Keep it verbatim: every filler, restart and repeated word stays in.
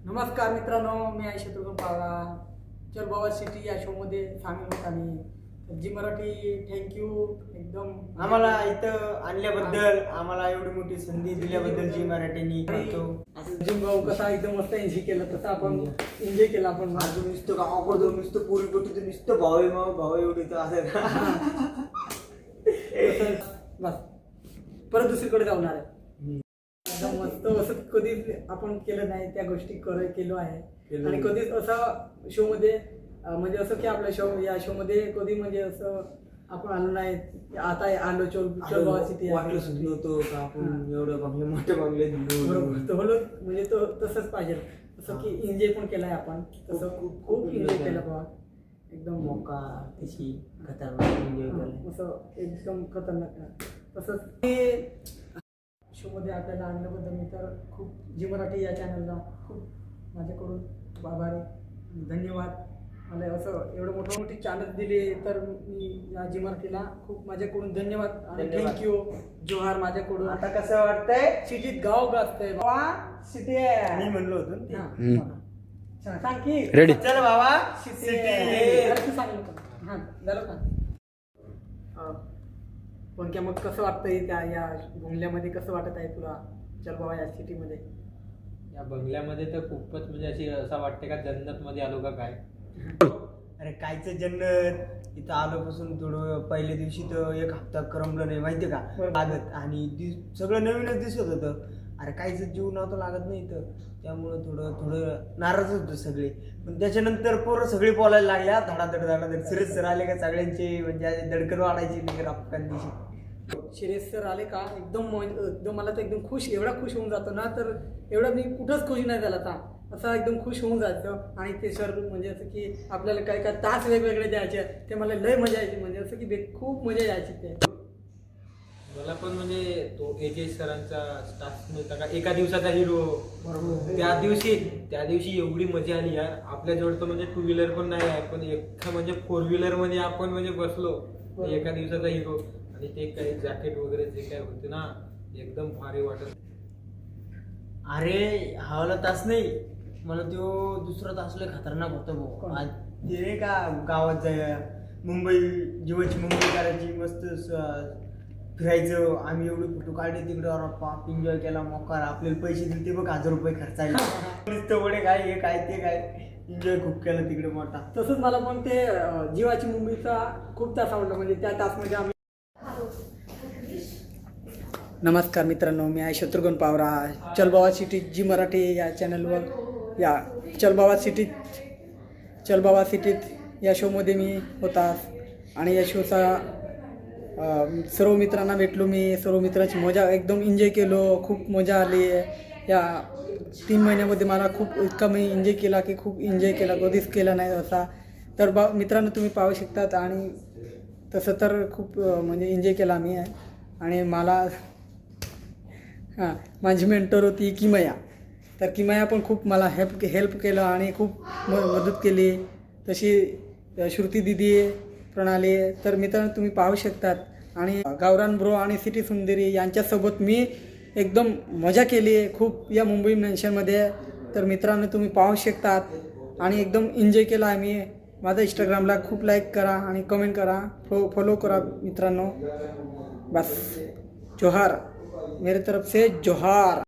नमस्कार मित्रांनो, मी आहे शत्रुघ्न पावरा. चल बाबा सिटी या शो मध्ये सामील होत आम्ही. जी मराठी थँक्यू एकदम आम्हाला इथं आणल्याबद्दल, आम्हाला एवढी मोठी संधी दिल्याबद्दल जी मराठीनी करतो. जिम भाऊ कसा एकदम मस्त एन्जॉय केला तसा आपण एन्जॉय केला. आपण अजून नुसतं गावाकडे नुसतं पोरी पोटी तर नुसतं भाव आहे, मग भाव एवढी तर असं बस परत दुसरीकडे जाणार आहे. एकदम मस्त असं कधीच आपण केलं नाही, त्या गोष्टी कर केलो आहे. आणि कधीच असा शो मध्ये अं, म्हणजे असं की आपल्या शो या शो मध्ये कधी म्हणजे असं आपण आलो नाही. आता आलो चल चल बाबा सिटी वाटलं सुद्धा नव्हतं का आपण एवढं बंगले मोठे बंगले बरोबर. तो बोलो म्हणजे तो तसंच पाहिजे, असं की एन्जॉय पण केलाय आपण. तसं खूप खूप एन्जॉय केला बाबा. एकदम मोका तशी खतरनाक एन्जॉय केलं. असं एकदम खतरनाक. तसंच शो मध्ये आपल्याला आणल्याबद्दल मी तर खूप जी मराठी या चॅनलला खूप माझ्याकडून खूप आभारी, धन्यवाद. मला असं एवढं मोठं मोठी चॅनल दिली तर मी या जी मराठीला खूप माझ्याकडून धन्यवाद आणि थँक्यू. जोहार माझ्याकडून. आता कसं वाटतंय? सिटीत गाव गाजतंय बाबा. सिटी आहे मी म्हणलो होतो ना ते. हा. सांग की रेडी. चल बाबा सिटी सिटी. अरे तू सांगितलं का? हा झालं का? हा. पण क्या मग कसं वाटतंय त्या या बंगल्यामध्ये, कसं वाटत आहे तुला चल बाबा या सिटीमध्ये? या बंगल्यामध्ये तर खूपच म्हणजे अशी असं वाटते का जन्नत मध्ये आलो का काय. अरे कायचं जन्नत, इथं आलोपासून थोडं पहिल्या दिवशी तर एक हप्ता करमलं नाही माहितीये का लागत, आणि दिस- सगळं नवीनच दिसत होतं. अरे काहीच जीव नव्हतं लागत नाही इथं, त्यामुळं थोडं थोडं नाराज होतं सगळे. पण त्याच्यानंतर पोरं सगळी बोलायला लागल्या धडाधड धडाधड. सिरियस सर आले का सगळ्यांची म्हणजे अशी धडकन वाढायची नाही रपकान दिवशी. शिरेश सर आले का एकदम म- एकदम मला तर एकदम खुश, एवढा खुश होऊन जातो ना, तर एवढा मी कुठंच खुश नाही झाला था. असा एकदम खुश होऊन जायचं. आणि ते सर म्हणजे असं की आपल्याला काय काय तास वेगवेगळे द्यायचे, ते मला लय मजा यायची. म्हणजे असं की बे- खूप मजा यायची ते. मला पण म्हणजे तो एके सरांचा स्टाफ मिळता का एका दिवसाचा हिरो. बरोबर. त्या दिवशी त्या दिवशी एवढी मजा आली यार. आपल्या जवळ तर म्हणजे टू व्हीलर पण नाही आहे, पण एका म्हणजे फोर व्हीलर मध्ये आपण म्हणजे बसलो एका दिवसाचा हिरो. आणि ते काही जॅकेट वगैरे जे काय होते ना, एकदम भारी वाटत. अरे हवाला तास नाही, मला तो दुसरा तास लय खतरनाक होता भाऊ. आज ते नाही का गावात जाय मुंबई जीवाची मुंबई करायची, मस्त स- फिरायचं. आम्ही एवढे फोटो काढले तिकडे, पाप एन्जॉय केला. मोकार आपल्याला पैसे दिले ते बघ, हजार रुपये खर्चायला. नुसतं वडे काय हे काय ते काय, एन्जॉय खूप केला तिकडे मोठा. तसंच मला पण ते अं, जीवाची मुंबईचा खूप तास आवडला. म्हणजे त्या तासमध्ये आम्ही. नमस्कार मित्रांनो, मी आहे शत्रुघ्न पावरा. चलबावा सिटी जी मराठी या चॅनलवर या चलबावा सिटीत चलबावा सिटीत या शोमध्ये मी होता. आणि या शोचा अं, सर्व मित्रांना भेटलो मी. सर्व मित्रांची मजा एकदम एन्जॉय केलो. खूप मजा आली. या तीन महिन्यामध्ये मला खूप इतका मी एन्जॉय केला की खूप एन्जॉय केला, कधीच केला नाही असा. तर बा मित्रांनो तुम्ही पाहू शकतात. आणि तसं तर खूप अं, म्हणजे एन्जॉय केला मी. आणि मला हां माझी मेंटर होती किमया. तर किमया पण खूप मला हेल्प हेल्प केलं आणि खूप म मदत केली. तशी श्रुती दिदी, प्रणाली. तर मित्रांनो तुम्ही पाहू शकतात. आणि गावरान ब्रो आणि सिटी सुंदरी यांच्यासोबत मी एकदम मजा केली खूप या मुंबई मेन्शनमध्ये. तर मित्रांनो तुम्ही पाहू शकतात. आणि एकदम एन्जॉय केला आहे मी. माझा इंस्टाग्रामला खूप लाईक करा आणि कमेंट करा, फो फॉलो करा मित्रांनो. बस जोहार मेरे तरफ से, जोहार.